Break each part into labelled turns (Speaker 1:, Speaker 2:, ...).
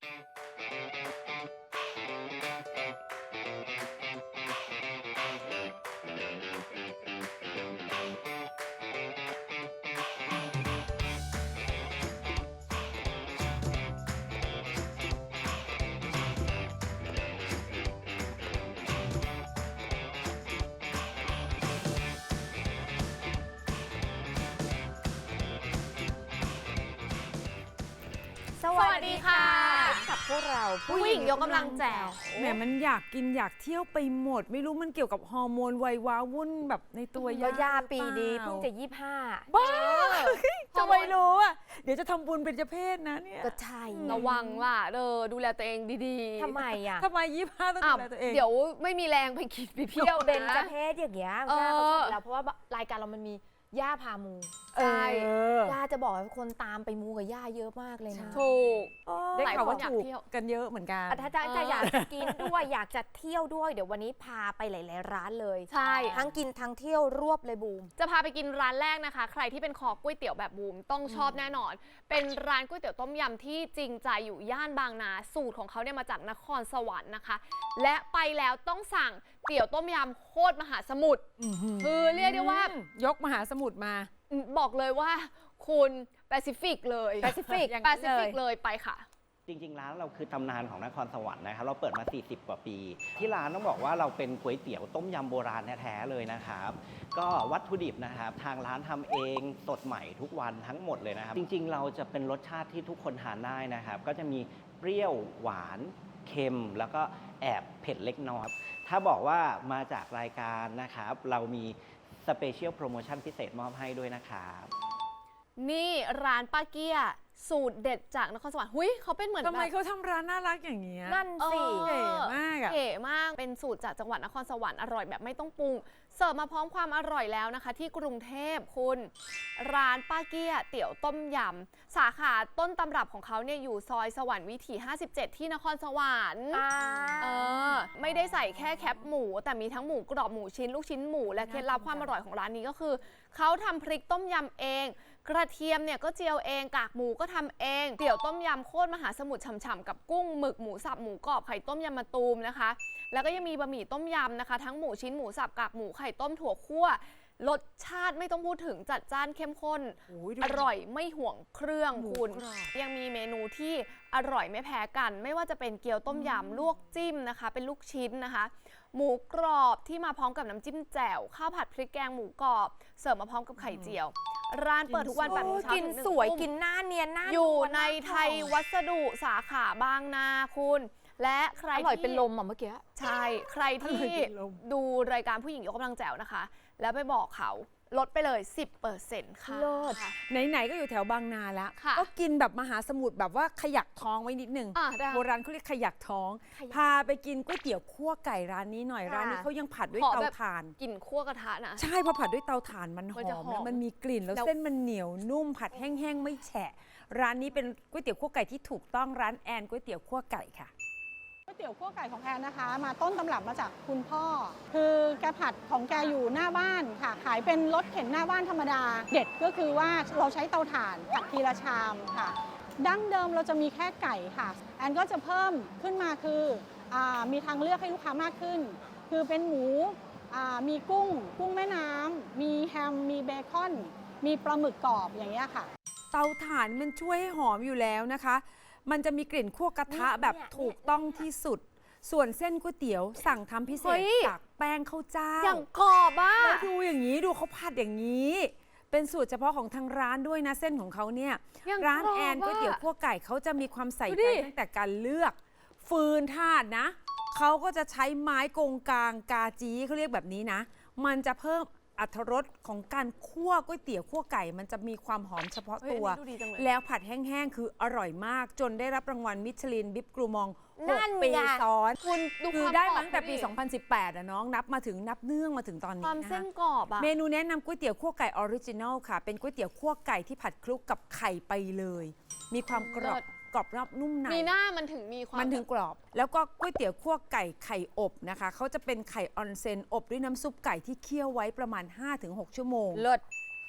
Speaker 1: สวัสดีค่ะกับพวกเรา
Speaker 2: ผู้หญิงยกกำลังแจ๋ว
Speaker 3: แหมมันอยากกินอยากเที่ยวไปหมด ไม่รู้มันเกี่ยวกับฮอร์โมนวัยว้าวุ่นแบบในตัว
Speaker 1: ก็ย่าปีนี้
Speaker 3: หรือ
Speaker 1: เพิ่ง
Speaker 3: ป
Speaker 1: จะ
Speaker 3: ล่
Speaker 1: 25
Speaker 3: บ้าจะไม่รู้อ่ะเดี๋ยวจะทำบุญเป็นเจ้าเพศนะเนี่ย
Speaker 1: ก็ใช่
Speaker 2: ระวังล่ะดูแลตัวเองดีๆ
Speaker 1: ทำไมอ่ะ
Speaker 3: ทำไม25ต้องดูแลตัวเอง
Speaker 2: เดี๋ยวไม่มีแรงไปกินไปเที่ยว
Speaker 1: เบน
Speaker 2: นะ
Speaker 1: จะเพศอย่างเงี้ยย่าเขาชอบแล้วเพราะว่ารายการเรามันมีย่าพามู
Speaker 2: ใช่
Speaker 1: ย่าจะบอกให้คนตามไปมูกับย่าเยอะมากเลยนะ
Speaker 2: ถูก
Speaker 3: ได้ข่าวว่า
Speaker 2: หลายคนอยาก
Speaker 3: ถูก
Speaker 2: เที่ยว
Speaker 3: กันเยอะเหมือนกัน
Speaker 1: ถ้าจะอยากกินด้วยอยากจะเที่ยวด้วยเดี๋ยววันนี้พาไปหลายๆร้านเลย
Speaker 2: ใช่
Speaker 1: ทั้งกินทั้งเที่ยวรวบเลยบูม
Speaker 2: จะพาไปกินร้านแรกนะคะ ใครที่เป็นคอก๋วยเตี๋ยวแบบบูมต้องชอบแน่นอน เป็นร้านก๋วยเตี๋ยวต้มยำที่จริงใจอยู่ย่านบางนาสูตรของเขาเนี่ยมาจากนครสวรรค์นะคะ และไปแล้วต้องสั่งเตี๋ยวต้มยำโคตรมหาสมุทรคือเรียกได้ว่า
Speaker 3: ยกมหาสมุทรมา
Speaker 2: บอกเลยว่าคุณแปซิฟิกเลย
Speaker 1: แปซิฟิก
Speaker 2: แปซิฟิกเลยไปค่ะ
Speaker 4: จริงๆร้านเราคือตำนานของนครสวรรค์นะครับเราเปิดมา 40 กว่าปี ที่ร้านต้องบอกว่าเราเป็นก๋วยเตี๋ยวต้มยำโบราณแท้ๆเลยนะครับก็วัตถุดิบนะครับทางร้านทำเองสดใหม่ทุกวันทั้งหมดเลยนะครับจริงๆเราจะเป็นรสชาติที่ทุกคนทานได้นะครับก็จะมีเปรี้ยวหวานเค็มแล้วก็แอบเผ็ดเล็กน้อยถ้าบอกว่ามาจากรายการนะครับเรามีสเปเชียลโปรโมชั่นพิเศษมอบให้ด้วยนะครับ
Speaker 2: นี่ร้านป้าเกี้ยสูตรเด็ดจากนครสวรรค์หุยเขาเป็นเหมือน
Speaker 3: ทำไม
Speaker 2: แบบ
Speaker 3: เขาทำร้านน่ารักอย่างเงี้ย
Speaker 1: นั่นสิ
Speaker 3: เก๋มากอะ
Speaker 2: เก๋มากเป็นสูตรจากจังหวัดนครสวรรค์อร่อยแบบไม่ต้องปรุงเสิร์ฟมาพร้อมความอร่อยแล้วนะคะ ที่กรุงเทพคุณร้านป้าเกี้ยเตี๋ยวต้มยำสาขาต้นตำรับของเขาเนี่ยอยู่ซอยสวรรค์วิถี 57 ที่นครสวรรค์ไม่ได้ใส่แค่แคปหมูแต่มีทั้งหมูกรอบหมูชิ้นลูกชิ้นหมูและเคล็ดลับความอร่อยของร้านนี้ก็คือเขาทำพริกต้มยำเองกระเทียมเนี่ยก็เจียวเองกากหมูก็ทำเองเตี๋ยวต้มยำโคตรมหาสมุทรฉ่ำๆกับกุ้งหมึกหมูสับหมูกรอบไข่ต้มยำมะตูมนะคะแล้วก็ยังมีบะหมี่ต้มยำนะคะทั้งหมูชิ้นหมูสับกากหมูไข่ต้มถั่วคั่วรสชาติไม่ต้องพูดถึงจัดจ้านเข้มข้น
Speaker 3: โอ้ยดู
Speaker 2: อร่อยไม่ห่วงเครื่อง
Speaker 3: หมู
Speaker 2: คุณ
Speaker 3: กรอบ
Speaker 2: ยังมีเมนูที่อร่อยไม่แพ้กัน ไม่ว่าจะเป็นเกี๊ยวต้มยำลวกจิ้มนะคะเป็นลูกชิ้นนะคะหมูกรอบที่มาพร้อมกับน้ำจิ้มแจ่วข้าวผัดพริกแกงหมูกรอบเสิร์ฟมาพร้อมกับไข่เจียว ร้านเปิดทุกวัน8 โมงเช้า
Speaker 1: กิน
Speaker 2: ถึง1
Speaker 1: สวย
Speaker 2: ทุ่ม
Speaker 1: กินหน้าเนียนหน้า
Speaker 2: อยู่
Speaker 1: วล
Speaker 2: ใน
Speaker 1: หา
Speaker 2: ไทยวัสดุสาขาบางนาคุณ และใคร
Speaker 1: อร่อย
Speaker 2: ที่
Speaker 1: เป็นลมอ่ะเมื่อกี้
Speaker 2: ใช่ ใครที่
Speaker 3: อร่อยเป็นลม
Speaker 2: ดูรายการผู้หญิงยกกำลังแจ๋วนะคะ แล้วไปบอกเขาลดไปเลย 10%ค่ะ
Speaker 1: เลิศ
Speaker 3: ไหนๆก็อยู่แถวบางนาแล้ว
Speaker 2: ค่ะ
Speaker 3: ก็กินแบบมหาสมุทรแบบว่าขยักท้องไว้นิดนึง
Speaker 2: ได้
Speaker 3: โบราณเขาเรียกขยักท้อง
Speaker 1: ขยัก
Speaker 3: พาไปกินก๋วยเตี๋ยวคั่วไก่ร้านนี้หน่อย
Speaker 1: ค่ะ
Speaker 3: ร้านนี้เขายังผัดด้วย
Speaker 2: ขอ
Speaker 3: เตา
Speaker 2: แบบ
Speaker 3: ถ่าน
Speaker 2: กลิ่นคั่วกระทะนะ
Speaker 3: ใช่พอผัดด้วยเตาถ่านมันห
Speaker 2: มันจะ
Speaker 3: อม
Speaker 2: หอม
Speaker 3: แล้วมันมีกลิ่นแล้ว
Speaker 2: แล้ว
Speaker 3: เส้นมันเหนียวนุ่มผัดแห้งๆไม่แฉะ ร้านนี้เป็นก๋วยเตี๋ยวคั่วไก่ที่ถูกต้องร้านแอนก๋วยเตี๋ยวคั่วไก่ค่ะ
Speaker 5: ก๋วยเตี๋ยวคั่วไก่ของแอนนะคะ มาต้นตำรับมาจากคุณพ่อ คือแกผัดของแกอยู่หน้าบ้านค่ะ ขายเป็นรถเข็นหน้าบ้านธรรมดา เด็ดก็คือว่าเราใช้เตาถ่านผัดทีละชามค่ะ ดั้งเดิมเราจะมีแค่ไก่ค่ะ แอนก็จะเพิ่มขึ้นมาคือมีทางเลือกให้ลูกค้ามากขึ้น คือเป็นหมูมีกุ้งแม่น้ำมีแฮมมีเบคอน มีปลาหมึกกรอบอย่างเงี้ยค่ะ
Speaker 3: เตาถ่านมันช่วยให้หอมอยู่แล้วนะคะ มันจะมีกลิ่นคั่วกระทะแบบถูกต้องที่สุด ส่วนเส้นก๋วยเตี๋ยวสั่งทำพิเศ
Speaker 2: เฮ้
Speaker 3: ษ
Speaker 2: ย
Speaker 3: จากแป้งข้าวเจ้า
Speaker 2: อย่างกรอบอ่ะ
Speaker 3: แล้วดูอย่างนี้ดูเขาผัดอย่างนี้ เป็นสูตรเฉพาะของทางร้านด้วยนะเส้นของเขาเนี่ย
Speaker 2: อย่าง
Speaker 3: ร้าน
Speaker 2: กรอบ
Speaker 3: แอนก๋วยเตี๋ยว
Speaker 2: อะ
Speaker 3: คั่วไก่เขาจะมีความใส่
Speaker 2: ดู
Speaker 3: ใจ
Speaker 2: ดิ
Speaker 3: ตั้งแต่การเลือก ฟืนธาตุนะเขาก็จะใช้ไม้กงกลางกาจีเขาเรียกแบบนี้นะ มันจะเพิ่มอรรถรสของการคั่วก๋วยเตี๋ยวคั่วไก่ มันจะมีความหอมเฉพาะ
Speaker 2: เฮ้ย
Speaker 3: ตัว
Speaker 2: อันนี้ดูดีจังเลย
Speaker 3: แล้วผัดแห้งๆคืออร่อยมาก จนได้รับรางวัลมิชลินบิ๊บกรูมอง
Speaker 1: นั่น
Speaker 3: 6 ปี
Speaker 1: ไง
Speaker 3: ซ้อน
Speaker 2: คุณดู
Speaker 3: คือ
Speaker 2: ความ
Speaker 3: ได้
Speaker 2: กรอบ
Speaker 3: มาตั้งแต่ปี
Speaker 2: เขาดิ
Speaker 3: 2018อะน้องนับมาถึงนับเนื่องมาถึงตอน
Speaker 2: ค
Speaker 3: นี้
Speaker 2: วาม
Speaker 3: นะ
Speaker 2: เส้
Speaker 3: คะ
Speaker 2: นกรอบอ่ะ
Speaker 3: เมนูแนะนำก๋วยเตี๋ยวคั่วไก่ออริจินัลค่ะ เป็นก๋วยเตี๋ยวคั่วไก่ที่ผัดคลุกกับไข่ไปเลย มีความกรอบ
Speaker 2: เลิศ
Speaker 3: กรอบนอกนุ่มใน
Speaker 2: มีหน้ามันถึงมีความ
Speaker 3: มันถึงกรอบ แล้วก็ก๋วยเตี๋ยวคั่วไก่ไข่อบนะคะเขาจะเป็นไข่ออนเซนอบด้วยน้ำซุปไก่ที่เคี่ยวไว้ประมาณ 5-6 ชั่วโมง
Speaker 1: เลิศ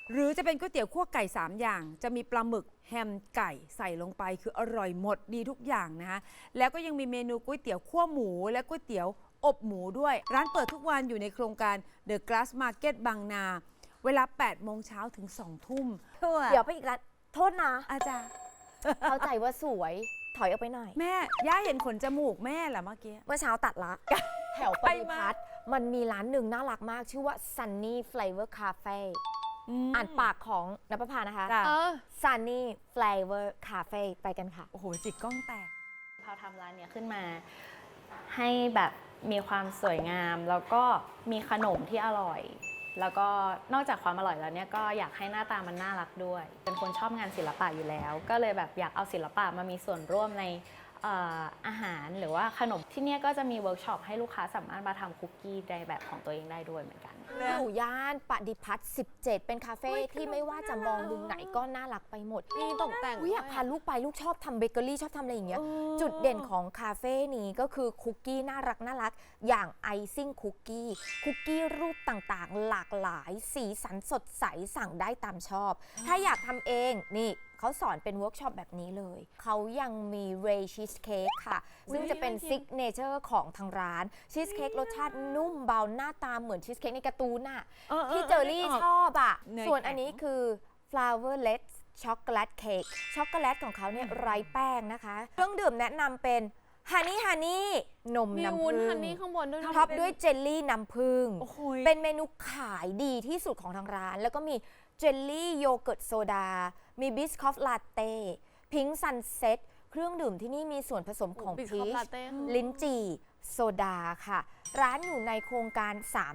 Speaker 3: หรือจะเป็นก๋วยเตี๋ยวคั่วไก่ 3 อย่าง จะมีปลาหมึกแฮมไก่ใส่ลงไปคืออร่อยหมดดีทุกอย่างนะคะแล้วก็ยังมีเมนูก๋วยเตี๋ยวคั่วหมูและก๋วยเตี๋ยวอบหมูด้วย ร้านเปิดทุกวันอยู่ในโครงการ The Glass Market บางนา เวลา 8 โมงเช้าถึง 2 ทุ่ม
Speaker 1: เดี๋ยวไปอีกร้านโทษนะ
Speaker 3: อาจารย์
Speaker 1: เข้าใจว่าสวยถอยออกไปหน่อย
Speaker 3: แม่ย่าเห็นขนจมูกแม่เหรอเมื่อกี้
Speaker 1: เมื่อเช้าตัดละ แถวปฏิพัฒน์มันมีร้านหนึ่งน่ารักมาก ชื่อว่า Sunny Flavor Cafe อ่านปากของนภพานะคะ
Speaker 3: จ้ะ
Speaker 1: Sunny Flavor Cafe ไปกันค่ะ
Speaker 3: โอ้โห จิกกล้องแตก
Speaker 6: พาทำร้านเนี้ยขึ้นมาให้แบบมีความสวยงาม แล้วก็มีขนมที่อร่อย แล้วก็นอกจากความอร่อยแล้วเนี่ยก็อยากให้หน้าตามันน่ารักด้วย เป็นคนชอบงานศิลปะอยู่แล้ว ก็เลยแบบอยากเอาศิลปะมามีส่วนร่วมในอาหารหรือว่าขนมที่เนี่ยก็จะมีเวิร์กช็อปให้ลูกค้าสามารถมาทำคุกกี้ในแบบของตัวเองได้ด้วยเหมือนกัน
Speaker 1: อยู่ย่านปฏิพัฒน์17 เป็นคาเฟ่ที่ไม่ว่าจะมองมุมไหนก็น่ารักไปหมด
Speaker 2: มีตกแต่ง
Speaker 1: อุ๊ยอยากพาลูกไปลูกชอบทำเบเกอรี่ชอบทำอะไรอย่างเงี้ยจุดเด่นของคาเฟ่นี้ก็คือคุกกี้น่ารักอย่างไอซิ่งคุกกี้รูปต่างๆ หลากหลายสีสันสดใสสั่งได้ตามชอบ ถ้าอยากทำเองนี่เขาสอนเป็นเวิร์กช็อปแบบนี้เลย เขายังมีเรย์ชีสเค้กค่ะ ซึ่งจะเป็นซิกเนเจอร์ของทางร้านชีสเค้กรสชาตินุ่มเบาหน้าตาเหมือนชีสเค้กในการ์ตูนน่ะที่เจอรี่ชอบอ่ะ
Speaker 3: เนย
Speaker 1: ส่วน
Speaker 3: แข็ง
Speaker 1: อันนี้คือ flourless ช็อกโกแลตเค้กช็อกโกแลตของเขาเนี่ยไร้แป้งนะคะ เครื่องดื่มแนะนำเป็นฮันนี่นม
Speaker 2: มี
Speaker 1: น้ำ
Speaker 2: วุ้
Speaker 1: ผึ้
Speaker 2: น
Speaker 1: ง
Speaker 2: ฮันนี่ข้างบนด้วยนะ
Speaker 1: ท็อปด้วยเจลลี่น้ำผึ้ง
Speaker 3: โอ้โห
Speaker 1: เป็นเมนูขายดีที่สุดของทางร้าน แล้วก็มีเจลลี่โยเกิร์ตโซดา มีบิสคอฟลาเต้พิงค์ซันเซ็ตเครื่องดื่มที่นี่มีส่วนผสมของ
Speaker 2: บิส
Speaker 1: พี
Speaker 2: คัพ
Speaker 1: ช
Speaker 2: ลาเต้
Speaker 1: ลิ้นจี่โซดาค่ะ ร้านอยู่ในโครงการ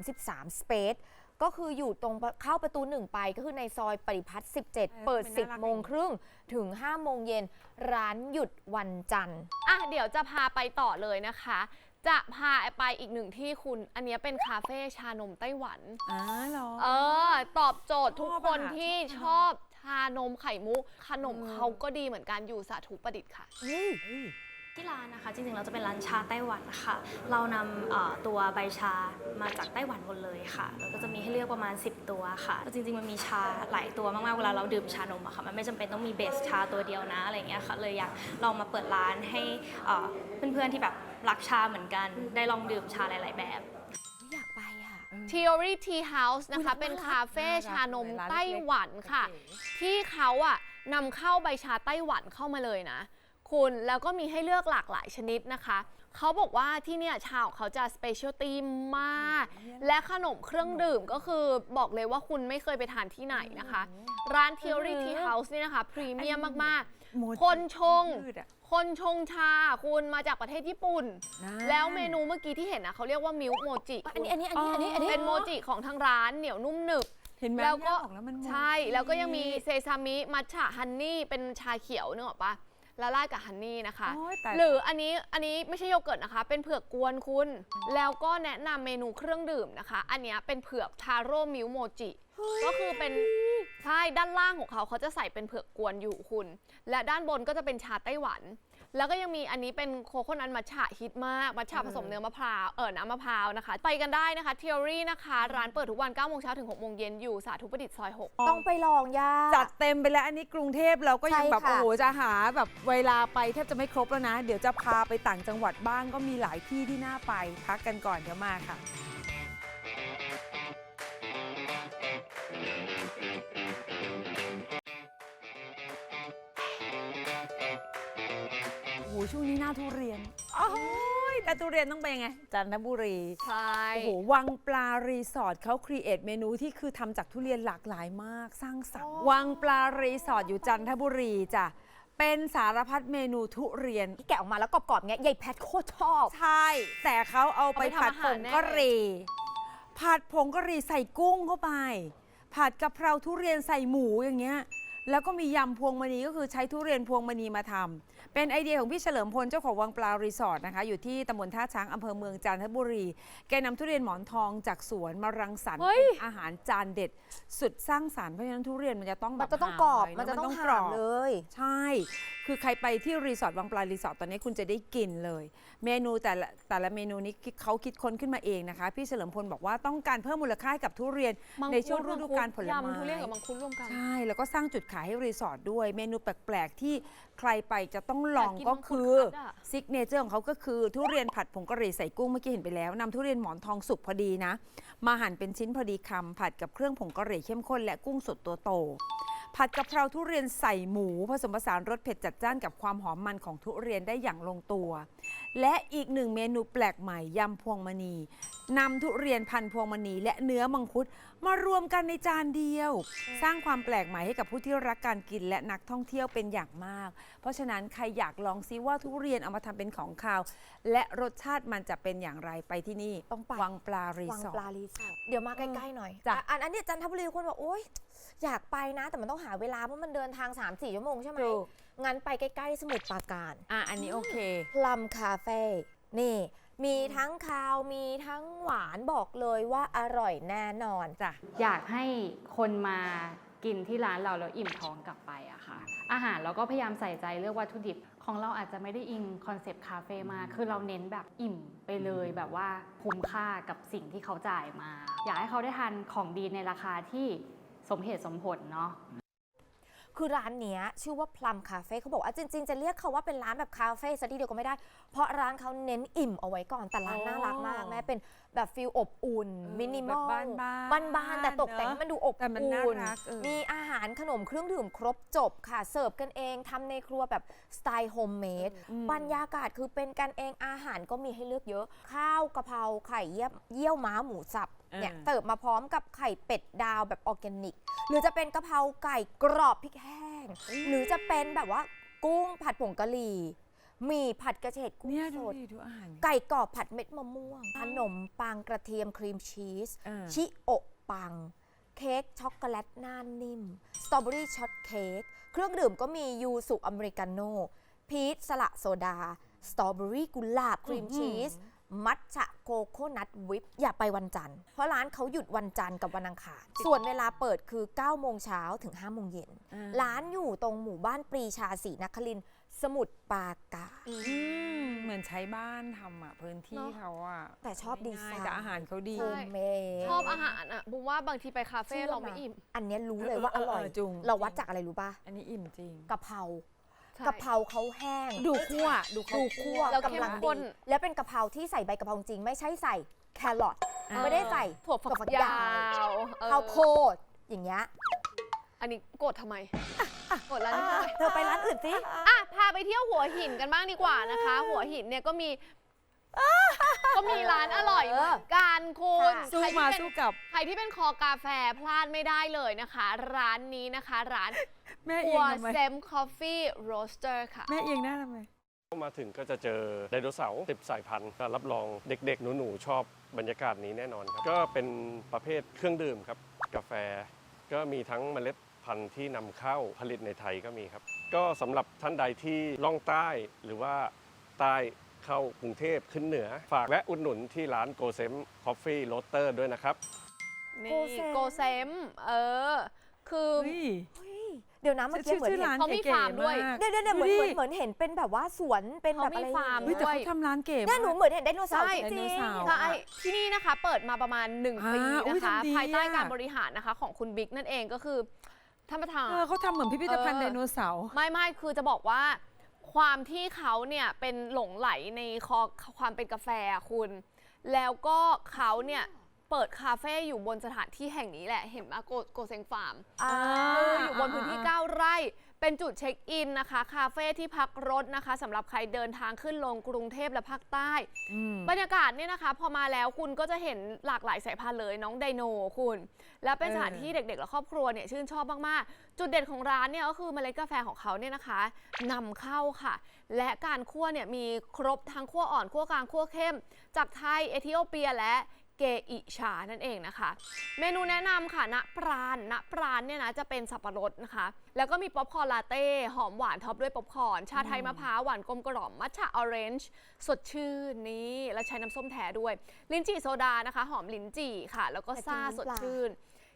Speaker 1: 33 Space ก็คืออยู่ตรงเข้าประตู 1 ไปก็คือในซอยปริพัฒน์17 เปิด
Speaker 3: เป็นน่ารัก
Speaker 1: 10 โมงครึ่งถึง 5 โมงเย็น ร้านหยุดวันจันทร์
Speaker 2: อ่ะเดี๋ยวจะพาไปต่อเลยนะคะ จะพาไปอีกหนึ่งที่คุณ อันเนี้ยเป็นคาเฟ่ชานมไต้หวัน
Speaker 3: เหรอ
Speaker 2: ตอบโจทย์ทุกคนที่ชอบชานมไข่มุก ขนมเขาก็ดีเหมือนกันอยู่สาธุประดิษฐ์ค่ะ
Speaker 6: ที่ร้านนะคะจริงๆเราจะเป็นร้านชาไต้หวันค่ะเรานำตัวใบชามาจากไต้หวันหมดเลยค่ะแล้วก็จะมีให้เลือกประมาณ10ตัวค่ะจริงๆมันมีชาหลายตัวมากๆเวลาเราดื่มชานมอะค่ะมันไม่จำเป็นต้องมีเบสชาตัวเดียวนะอะไรอย่างเงี้ยค่ะเลยอยากลองมาเปิดร้านให้เพื่อนๆที่แบบรักชาเหมือนกันได้ลองดื่มชาหลายๆแบบ
Speaker 1: อยากไปอ่ะ
Speaker 2: Theory Tea House นะคะ เป็นคาเฟ่ชานมไต้หวันค่ะ ที่เขาอะนำเข้าใบชาไต้หวันเข้ามาเลยนะคุณแล้วก็มีให้เลือกหลากหลายชนิดนะคะ เขาบอกว่าที่เนี่ยชาของเขาจะสเปเชียลตี้มาก และขนมเครื่องดื่มก็คือบอกเลยว่าคุณไม่เคยไปทานที่ไหนนะคะ ร้าน Theory Tea House เนี่ยนะคะ พรีเมียมมากๆ คนชงชาคุณมาจากประเทศญี่ปุ่น แล้วเมนูเมื่อกี้ที่เห็นนะเขาเรียกว่ามิลค์โมจิ
Speaker 1: อันนี้
Speaker 2: เป็นโมจิของทางร้านเหนียวนุ่มหนึบ
Speaker 3: เห็นไหม
Speaker 2: แล้วก็
Speaker 3: ย่าบอกแล้วมัน
Speaker 2: ใช่ แล้วก็ยังมีเซซามิมัทฉะฮันนี่เป็นชาเขียวนึกออกปะละลายกับฮันนี่นะคะ
Speaker 3: โอ๊ยตาย
Speaker 2: หรืออันนี้ไม่ใช่โยเกิร์ตนะคะ เป็นเผือกกวนคุณ แล้วก็แนะนำเมนูเครื่องดื่มนะคะ อันเนี้ยเป็นเผือกทาโร่มิลค์โมจิก็คือเป็นใช่ด้านล่างของเขาจะใส่เป็นเผือกกวนอยู่คุณ และด้านบนก็จะเป็นชาไต้หวัน แล้วก็ยังมีอันนี้เป็นโคโคนัทมัทฉะฮิตมากมัทฉะผสมเนื้อมะพร้าวน้ำมะพร้าวนะคะ ไปกันได้นะคะ Theory นะคะ ร้านเปิดทุกวัน9โมงเช้าถึง6โมงเย็นอยู่สาธุประดิษฐ์ซอย6
Speaker 1: ต้องไปลองย่า
Speaker 3: จัดเต็มไปแล้วอันนี้กรุงเทพเราก็ยัง
Speaker 1: ใช่
Speaker 3: แบบ
Speaker 1: ค่ะ
Speaker 3: โอ้โหจะหาแบบเวลาไปแทบจะไม่ครบแล้วนะ เดี๋ยวจะพาไปต่างจังหวัดบ้างก็มีหลายที่ที่น่าไปพักกันก่อนเดี๋ยวมาค่ะโอ้โหช่วงนี้หน้าทุเรียนโอ้ยแต่ทุเรียนต้องไปยังไงจันทบุรี
Speaker 2: ใช่
Speaker 3: โอ้โหวังปลารีสอร์ทเขาครีเอทเมนูที่คือทำจากทุเรียนหลากหลายมากสร้างสรรค์วังปลารีสอร์ทอยู่จันทบุรีจ้ะเป็นสารพัดเมนูทุเรียน
Speaker 1: ที่แกะออกมาแล้วกรอบๆเงี้ยยายแพทโคตรชอบ
Speaker 3: ใช่ แต่เขาเอาไปผัดผงกะหรี่ผัดผงกะหรี่ใส่กุ้งเข้าไป ผัดกะเพราทุเรียนใส่หมูอย่างเงี้ยแล้วก็มียำพวงมณีก็คือใช้ทุเรียนพวงมณีมาทำเป็นไอเดียของพี่เฉลิมพลเจ้าของวังปลารีสอร์ทนะคะอยู่ที่ตำบลท่าช้างอำเภอเมืองจันทบุรีแกนำทุเรียนหมอนทองจากสวนมารังสรรค์เป็นอาหารจานเด็ดสุดสร้างสรรค์เพราะฉะนั้นทุเรียนมันจะต้องแบบ
Speaker 1: มันจะต้องกรอบ
Speaker 3: หาห
Speaker 1: มันจะต้อง
Speaker 3: กรอบ
Speaker 1: หามเลย
Speaker 3: ใช่คือคือใครไปที่รีสอร์ทวังปลารีสอร์ทตอนนี้คุณจะได้กินเลย เมนูแต่ละเมนูนี้เขาคิดค้นขึ้นมาเองนะคะพี่เฉลิมพลบอกว่าต้องการเพิ่มมูลค่าให้กับทุเรียน
Speaker 2: มังคุด
Speaker 3: ในช่วงฤดูกาลผลไม้
Speaker 2: ยำทุเรียนกับมังคุดรวมกัน
Speaker 3: ใช่แล้วก็สร้างจุดขายให้รีสอร์ทด้วยเมนูแปลกๆที่ใครไปจะต้องลอง
Speaker 2: อยากกิน
Speaker 3: ก็
Speaker 2: มังคุด
Speaker 3: คือ
Speaker 2: คัดอะ
Speaker 3: ซิกเนเจอร์ของเขาก็คือทุเรียนผัดผงกะหรี่ใส่กุ้งเมื่อกี้เห็นไปแล้วนำทุเรียนหมอนทองสุกพอดีนะมาหั่นเป็นชิ้นพอดีคำผัดกับเครื่องผงกะหรี่เข้มข้นและกุ้งสดตัวโต ผัดกะเพราทุเรียนใส่หมูผสมผสานรสเผ็ดจัดจ้านกับความหอมมันของทุเรียนได้อย่างลงตัว และอีกหนึ่งเมนูแปลกใหม่ยำพวงมณีนำทุเรียนพันพวงมณีและเนื้อมังคุดมารวมกันในจานเดียว สร้างความแปลกใหม่ให้กับผู้ที่รักการกินและนักท่องเที่ยวเป็นอย่างมาก เพราะฉะนั้นใครอยากลองซิว่าทุเรียนเอามาทำเป็นของคาว และรสชาติมันจะเป็นอย่างไรไปที่นี่
Speaker 1: ต้องไป
Speaker 3: วังปลารี
Speaker 1: วัง
Speaker 3: สอ
Speaker 1: ปลา
Speaker 3: ร์ท
Speaker 1: รีสอร์ทเดี๋ยวมาใกล้ๆหน่อย
Speaker 3: จ้ะ
Speaker 1: อันนี้จันทบุรีคนบอกโอ๊ยอยากไปนะ แต่มันต้องหาเวลาเพราะมันเดินทาง 3-4 ชั่วโมงใช่ไหม
Speaker 3: ถูก
Speaker 1: งั้นไปใกล้ๆสมุทรปราการ
Speaker 3: อันนี้โอเค
Speaker 1: พลัมคาเฟ่นี่ มีทั้งคาวมีทั้งหวานบอกเลยว่าอร่อยแน่นอน
Speaker 3: จ้ะ
Speaker 7: อยากให้คนมากินที่ร้านเราแล้วอิ่มท้องกลับไปอะค่ะ อาหารเราก็พยายามใส่ใจเลือกวัตถุดิบของเราอาจจะไม่ได้อิงคอนเซปต์คาเฟ่มากคือเราเน้นแบบอิ่มไปเลยแบบว่าคุ้มค่ากับสิ่งที่เขาจ่ายมา อยากให้เขาได้ทานของดีในราคาที่สมเหตุสมผลเนาะ
Speaker 1: คือร้านเนี้ยชื่อว่าพลัมคาเฟ่เขาบอกว่าจริงๆ จะเรียกเขาว่าเป็นร้านแบบคาเฟ่ซะทีเดียวก็ไม่ได้ เพราะร้านเขาเน้นอิ่มเอาไว้ก่อนแต่ร้านน่ารักมากแม่เป็นแบบฟิลอบอุ่นมินิมอล
Speaker 3: แบบบ้านๆ
Speaker 1: แต่ตกแต่งให้มันดูอบ
Speaker 3: แต่มันน่า
Speaker 1: อุ่น
Speaker 3: รัก
Speaker 1: มีอาหารขนมเครื่องดื่มครบจบค่ะเสิร์ฟกันเองทำในครัวแบบสไตล์โฮมเมดบรรยากาศคือเป็นกันเองอาหารก็มีให้เลือกเยอะ ข้าวกะเพราไข่เยี่ยวม้าหมูสับเนี่ยเสิร์ฟมาพร้อมกับไข่เป็ดดาวแบบออร์แกนิก หรือจะเป็นกะเพราไก่กรอบพริกแห้ง หรือจะเป็นแบบว่ากุ้งผัดผงกะหรี่หมี่ผัดกระเฉดกุ้ง
Speaker 3: เนี่ย
Speaker 1: ส
Speaker 3: ดู
Speaker 1: ด
Speaker 3: ดิดูอาหาร
Speaker 1: ไก่กรอบผัดเม็ดมะม่วง ขนมปังกระเทียมครีมชีส ชิโอะปัง เค้กช็อกโกแลตหน้านิ่ม สตรอเบอรี่ช็อตเค้ก เครื่องดื่มก็มียูสุอเมริกาโน่ พีชสละโซดา สตรอเบอรี่กุหลาบครีมชีส มัทฉะโกโก้นัทวิปอย่าไปวันจันทร์ เพราะร้านเขาหยุดวันจันทร์กับวันอังคาร ส่วนเวลาเปิดคือ 9 โมงเช้าถึง 5 โมงเย็น ร้านอยู่ตรงหมู่บ้านปรีชาศรีนครินทร์สมุทรปราการ
Speaker 3: เหมือนใช้บ้านทำอ่ะพื้นที่
Speaker 2: เนอะ
Speaker 3: เขาอ่ะ
Speaker 1: แต่ชอบดีไซน์
Speaker 3: แต่อาหารเขาดี
Speaker 1: โฮมเมด
Speaker 2: ชอบอาหารอ่ะบุมว่าบางทีไปคาเฟ่เราไม่อิ่ม
Speaker 1: อันเนี้ยรู้เลยว่าอร่อย
Speaker 3: จุง
Speaker 1: เราวัดจากอะไรรู้ป่ะ
Speaker 3: อันนี้อิ่มจริง
Speaker 1: กะเพรา
Speaker 2: ใช่
Speaker 1: กะเพราเขาแห้ง
Speaker 3: ดูคั่วดูเขา
Speaker 1: ดูคั่ว
Speaker 2: แล้วเข้ม
Speaker 1: กำลัง
Speaker 2: ข้
Speaker 1: ดี
Speaker 2: น
Speaker 1: แล้วเป็นกะเพราที่ใส่ใบกะเพราจริงไม่ใช่ใส่แครอทไม่ได้ใส่
Speaker 2: ถั่วฝักยาวเออ
Speaker 1: ข้าวโพดอย่างเงี้ย
Speaker 2: อันนี้โกรธทำไมโกรธร้านนี้ทำไม
Speaker 1: เธอไปร้านอื่นสิ
Speaker 2: อ่ะพาไปเที่ยวหัวหินกันบ้างดีกว่านะคะ หัวหินเนี่ยก็มีร้านอร่อยเหมือนกันคุณ
Speaker 1: ค่ะ
Speaker 3: สู้มาสู้กลับ
Speaker 2: ใครที่เป็นคอกาแฟพลาดไม่ได้เลยนะคะ ร้านนี้นะคะ ร้าน
Speaker 3: แม่เอี
Speaker 2: หั
Speaker 3: ยง
Speaker 2: ว
Speaker 3: ทำไม
Speaker 2: เซมคอฟฟี่โรสเตอร์ค่ะ
Speaker 3: แม่เอียงหน้าทำไม
Speaker 8: มาถึงก็จะเจอไดโนเสาร์10 สายพันธุ์ก็รับรองเด็กๆ หนูๆ ชอบบรรยากาศนี้แน่นอนครับ ก็เป็นประเภทเครื่องดื่มครับ กาแฟ ก็มีทั้งเมล็ดพันธุ์ที่นำเข้าผลิตในไทยก็มีครับ ก็สำหรับท่านใดที่ล่องใต้หรือว่าใต้เข้ากรุงเทพขึ้นเหนือ ฝากแวะอุดหนุนที่ร้านโกเซมคอฟฟี่โรสเตอร์ด้วยนะครับ
Speaker 2: นี่โกเซมคือ
Speaker 1: เดี๋ยวนะเมื่อกี้เหมือน
Speaker 3: ชื่อ
Speaker 1: เห็น
Speaker 3: ร้าน
Speaker 2: เขามี
Speaker 3: เก๋
Speaker 2: ฟาร์ม
Speaker 3: ๆ
Speaker 2: ด้วย
Speaker 3: มาก
Speaker 1: เดี๋ยวเหมือน
Speaker 3: ดูดิ
Speaker 1: เหมือนเห็นเป็นแบบว่าสวนเป็นแบบอะไร
Speaker 2: เขามีฟาร์ม
Speaker 3: เฮ้ยแต่เขาทำร้านเก๋
Speaker 1: เนี่ยหนู
Speaker 3: มาก
Speaker 1: เหมือนเห็นไดโนเสาร์
Speaker 2: ใช่
Speaker 1: จริง
Speaker 3: ไดโนเสาร์
Speaker 2: ใช่ที่นี่นะคะเปิดมาประมาณ 1 ปี
Speaker 3: อุ๊ย
Speaker 2: นะคะ
Speaker 3: ทำดี
Speaker 2: ภายใต้
Speaker 3: อะ
Speaker 2: การบริหารนะคะของคุณบิ๊กนั่นเองก็คือท่านประธาน
Speaker 3: เขาทำเหมือนพิพิธภัณฑ์
Speaker 2: เออ
Speaker 3: ไดโนเสาร์
Speaker 2: ไม่คือจะบอกว่าความที่เขาเนี่ยเป็นหลงไหลในความเป็นกาแฟอะคุณ แล้วก็เขาเนี่ยเปิดคาเฟ่อยู่บนสถานที่แห่งนี้แหละเห็นไหมโกเซงฟาร์ม อยู่บนพื้นที่ 9 ไร่ เป็นจุดเช็คอินนะคะ คาเฟ่ที่พักรถนะคะสำหรับใครเดินทางขึ้นลงกรุงเทพและภาคใต้ บรรยากาศเนี่ยนะคะ พอมาแล้วคุณก็จะเห็นหลากหลายสายพันธุ์เลยน้องไดโนคุณ และเป็นสถานที่เด็กๆ และครอบครัวเนี่ยชื่นชอบมากๆ จุดเด่นของร้านเนี่ยก็คือเมล็ดกาแฟของเขาเนี่ยนะคะนำเข้าค่ะ และการคั่วเนี่ยมีครบทั้งคั่วอ่อนคั่วกลางคั่วเข้ม จากไทยเอธิโอเปียและเกอิชานั่นเองนะคะ เมนูแนะนำค่ะณปราณเนี่ยนะจะเป็นสับปะรดนะคะ แล้วก็มีป๊อปคอร์นลาเต้หอมหวานท็อปด้วยป๊อปคอร์นชาไทยมะพร้าวหวานกลมกล่อมมัทฉะออเรนจ์สดชื่นนี่แล้วใช้น้ำส้มแท้ด้วยลิ้นจี่โซดานะคะหอมลิ้นจี่ค่ะ แล้วก็ซ่าสดชื่น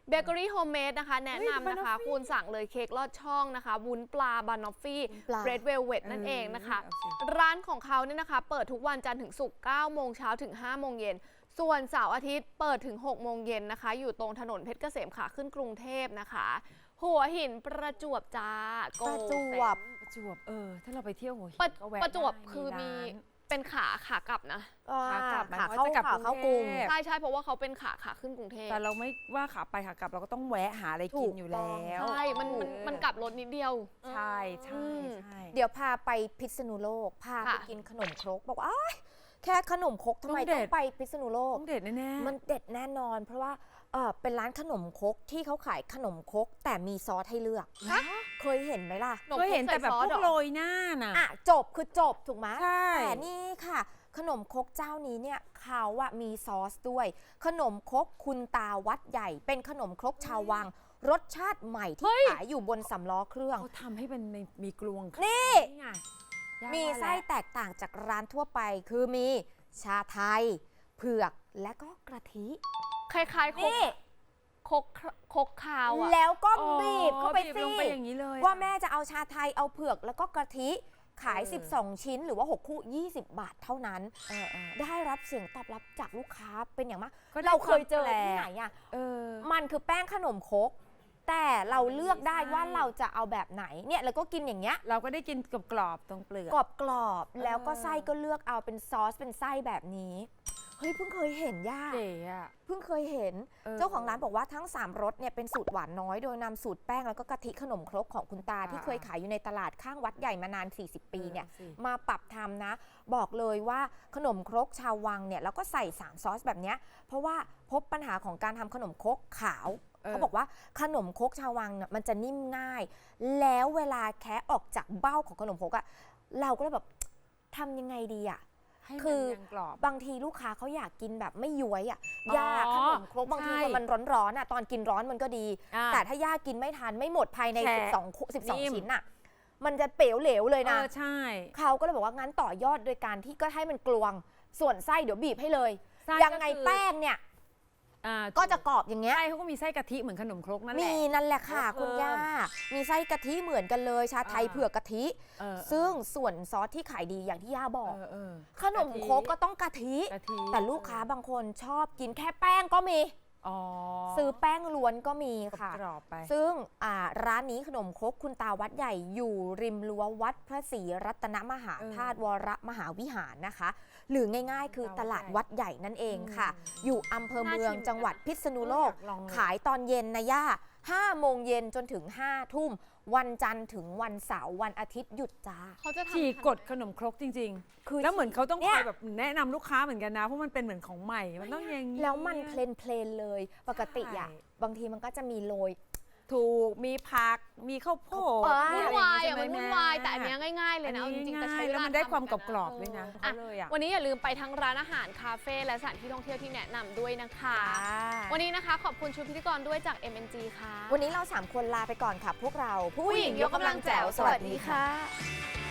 Speaker 2: เบเกอรี่โฮมเมดนะคะแนะนำนะคะ คุณสั่งเลยเค้กลอดช่องนะคะ วุ้นปลาบานอฟฟี่
Speaker 1: ปลา
Speaker 2: เบรดเวลเวตนั่นเองนะคะ
Speaker 3: เอาสิ
Speaker 2: ร้านของเขาเนี่ยนะคะเปิดทุกวันจันทร์ถึงศุกร์9โมงเช้าถึง5โมงเย็นส่วนเสาร์อาทิตย์เปิดถึง6โมงเย็นนะคะอยู่ตรงถนนเพชรเกษมขาขึ้นกรุงเทพนะคะ หัวหินประจวบจ้า
Speaker 1: ประจวบ
Speaker 3: ประจวบถ้าเราไปเที่ยวหัวหิน
Speaker 2: ประ
Speaker 3: ก็แวะ
Speaker 2: ประจวบ
Speaker 3: ได้
Speaker 2: คือมี
Speaker 3: ร้าน
Speaker 2: เป็นขากลับนะ
Speaker 3: ขากลับ
Speaker 1: ขา
Speaker 3: หมาย
Speaker 1: เข้า
Speaker 3: ถึงว่าจะกลับ
Speaker 1: ขาเข้ากรุง
Speaker 3: กรุงเทพ
Speaker 2: ใช่เพราะว่าเขาเป็นขาขึ้นกรุงเทพ
Speaker 3: แต่เราไม่ว่าขาไปขากลับเราก็ต้องแวะหาอะไรกินอยู่แล้ว
Speaker 2: ใช่มันกลับรถนิดเดียว
Speaker 3: ใช่ใช่
Speaker 2: อืม
Speaker 3: ใช่
Speaker 1: เดี๋ยวพาไปพิษณุโลก พาไป
Speaker 2: ค่ะ
Speaker 1: กินขนมครกบอกว่าอ้ายแค่ขนมครกทำไมต้องไปพิษณุโลก
Speaker 3: ต้องเด็ดแน่ๆ
Speaker 1: มันเด็ดแน่นอน เพราะว่าเป็นร้านขนมครกที่เขาขายขนมครกแต่มีซอสให้เลือก
Speaker 2: ฮะ
Speaker 1: เคยเห็นไหมล่ะ
Speaker 3: ก็เห็นแต่แบบพวกโร
Speaker 2: ย
Speaker 3: ยหน้าน่ะ
Speaker 1: อ่ะจบคือจบถูกไหม
Speaker 3: ใช่
Speaker 1: แต่นี่ค่ะ ขนมครกเจ้านี้เนี่ยเขาอะมีซอสด้วย ขนมครกคุณตาวัดใหญ่ เป็นขนมครกชาววัง รสชาติใหม่ที่ขายอยู่บนสำล้อเครื่อง
Speaker 3: เขาทำให้เป็นมีกลวง
Speaker 1: นี่
Speaker 3: ไงย่า
Speaker 1: มี
Speaker 3: ว่า
Speaker 1: ไส้
Speaker 3: แล้ว
Speaker 1: แตกต่างจากร้านทั่วไป คือมีชาไทย เผือกและก็กะทิ
Speaker 2: คล้ายๆ
Speaker 1: นี่
Speaker 2: คกคาวอ่ะ
Speaker 1: แล้วก็
Speaker 3: อ๋อ
Speaker 1: บีบเข้าไป
Speaker 3: บีบ
Speaker 1: สิ
Speaker 3: ลงไปอย่างนี้เลย
Speaker 1: ว่าแม่จะเอาชาไทยเอาเผือกแล้วก็กะทิขาย 12 ชิ้นหรือว่า 6 คู่ 20 บาทเท่านั้น ได้รับเสียงตอบรับจากลูกค้าเป็นอย่างมาก
Speaker 3: ก็ได้
Speaker 1: เราเคยเจอ
Speaker 3: ความแปลก
Speaker 1: ที่ไหนอ่ะ
Speaker 3: เออ
Speaker 1: มันคือแป้งขนมครกแต่เราเลือกได้ว่าเราจะเอาแบบไหนเนี่ยแล้วก็กินอย่างเงี้ย
Speaker 3: เราก็ได้กินกรอบๆตรงเปลือก
Speaker 1: กรอบๆแล้วก็ไส้ก็เลือกเอาเป็นซอสเป็นไส้แบบนี้เฮ้ยเพิ่งเคยเห็นย่า
Speaker 3: เก๋อะ
Speaker 1: เพิ่งเคยเห็น เจ้าของร้านบอกว่าทั้ง 3รสเนี่ยเป็นสูตรหวานน้อยโดยนำสูตรแป้งแล้วก็กะทิขนมครกของคุณตาที่เคยขายอยู่ในตลาดข้างวัดใหญ่มานาน 40 ปีเนี่ย มาปรับทำนะ บอกเลยว่าขนมครกชาววังเนี่ยแล้วก็ใส่ 3 ซอสแบบเนี้ยเพราะว่าพบปัญหาของการทำขนมครกขาว เขาบอกว่าขนมครกชาววังเนี่ยมันจะนิ่มง่าย แล้วเวลาแคะออกจากเบ้าของขนมครกอะเราก็เลยแบบทำยังไงดีอะ
Speaker 3: ให้มัน
Speaker 1: คือ
Speaker 3: ยังกรอบ
Speaker 1: บางทีลูกค้าเขาอยากกินแบบไม่ย้วยอ่ะ
Speaker 3: อ๋อ
Speaker 1: ย่าขนมครกบางที
Speaker 3: ใช่
Speaker 1: พอมันร้อนๆอ่ะตอนกินร้อนมันก็ดี
Speaker 3: อ่า
Speaker 1: แต่ถ้าย่ากินไม่ทันไม่หมดภายใน
Speaker 3: แฉะ
Speaker 1: 12
Speaker 3: นิ่ม
Speaker 1: ชิ้นอ่ะมันจะเป๋วเหลวเลยนะ
Speaker 3: ใช่
Speaker 1: เขาก็เลยบอกว่างั้นต่อยอดโดยการที่ก็ให้มันกลวง ส่วนไส้เดี๋ยวบีบให้เลย
Speaker 3: ไส้
Speaker 1: ยังไง
Speaker 3: ก็คือ
Speaker 1: แป้งเนี่ย
Speaker 3: อ่า
Speaker 1: ก็จะกรอบอย่างเงี้ย
Speaker 3: ไส้เขาก็มีไส้กะทิเหมือนขนมครกนั่นแหละ
Speaker 1: มีนั่นแหละค่ะ
Speaker 3: เพิ่ม
Speaker 1: คุณย่ามีไส้กะทิเหมือนกันเลยชาไทย
Speaker 3: อ่า
Speaker 1: เผือกกะทิ
Speaker 3: เออ
Speaker 1: ซึ่งส่วนซอสที่ขายดีอย่างที่ย่าบอก
Speaker 3: เออ
Speaker 1: ขนมครกก็ต้องกะทิ
Speaker 3: กะทิ
Speaker 1: แต่ลูกค้าบางคนชอบกินแค่แป้งก็มี
Speaker 3: อ๋อ
Speaker 1: ซื้อแป้งล้วนก็มีค่ะ
Speaker 3: กรอบๆไป
Speaker 1: ซึ่งร้านนี้ขนมครกคุณตาวัดใหญ่อยู่ริมรั้ววัดพระศรีรัตนมหาธาตุวรมหาวิหารนะคะ หรือง่ายๆ คือตลาดวัดใหญ่นั่นเองค่ะ อยู่อำเภอเมืองจังหวัดพิษณุโลก
Speaker 3: ลองเลย
Speaker 1: ขายตอนเย็นนะย่า5 โมงเย็นจนถึง 5 ทุ่ม วันจันทร์ถึงวันเสาร์วันอาทิตย์หยุดจ้า
Speaker 2: เขาจะทำ
Speaker 3: ฉีกกดขนมครกจริง
Speaker 1: คือ
Speaker 3: ๆ แล้วเหมือนเขาต้อง
Speaker 1: เนี่
Speaker 3: คอย ยแบบแนะนำลูกค้าเหมือนกันนะ เพราะมันเป็นเหมือนของใหม่ มันต้องอย่างนี้
Speaker 1: แล้วมันเพลนๆเลย ปกติอ่ะ
Speaker 3: ใช่
Speaker 1: บางทีมันก็จะมีโรย
Speaker 3: ถูก มีผัก มีข้าวโพด
Speaker 1: มี
Speaker 2: วุ่น
Speaker 1: อะไร
Speaker 2: วาย
Speaker 3: ใช่
Speaker 2: อ่ะ
Speaker 3: ไห
Speaker 2: มันวุ่นวายแต่อันเนี้ยง่ายๆเลยนะเอาจริงๆแต่ใช้เว
Speaker 3: แล้ว
Speaker 2: ลา
Speaker 3: มันได้ความ
Speaker 2: ทำ
Speaker 3: กรอบๆด้วยนะ
Speaker 2: อ่ะ
Speaker 3: เขาเลยอ่ะ
Speaker 2: วันนี้อย่าลืมไปทั้งร้านอาหารคาเฟ่และสถานที่ท่องเที่ยวที่แนะนำด้วยนะคะ วันนี้นะคะขอบคุณชุดพิธีกรด้วยจาก MNG ค่ะ
Speaker 1: วันนี้เรา 3 คนลาไปก่อนค่ะ พวกเราผู้หญิงยกกำลังแจ๋วสวัสดีค่ะ